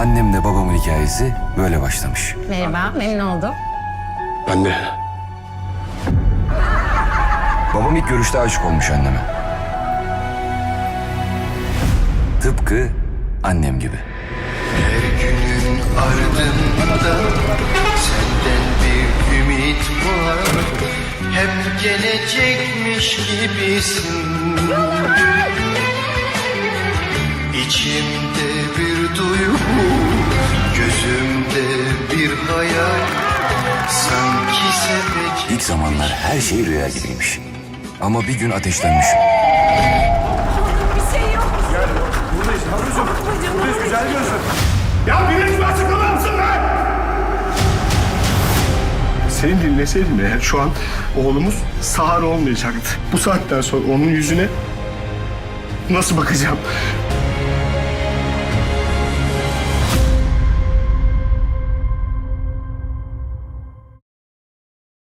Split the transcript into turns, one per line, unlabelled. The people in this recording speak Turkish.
annemle babamın hikayesi böyle başlamış.
Merhaba, memnun oldum.
Ben de.
Babam ilk görüşte aşık olmuş anneme. Tıpkı annem gibi.
Her günün ardında senden bir ümit var. Hep gelecekmiş gibisin. İçimde bir duygu, gözümde bir hayal. Sanki sevecek.
İlk zamanlar her şey rüya gibiymiş. Ama bir gün ateşlenmişim.
Ya biriniz mi açıklamam mısın lan? Seni dinleseydim eğer şu an oğlumuz sağır olmayacaktı. Bu saatten sonra onun yüzüne nasıl bakacağım?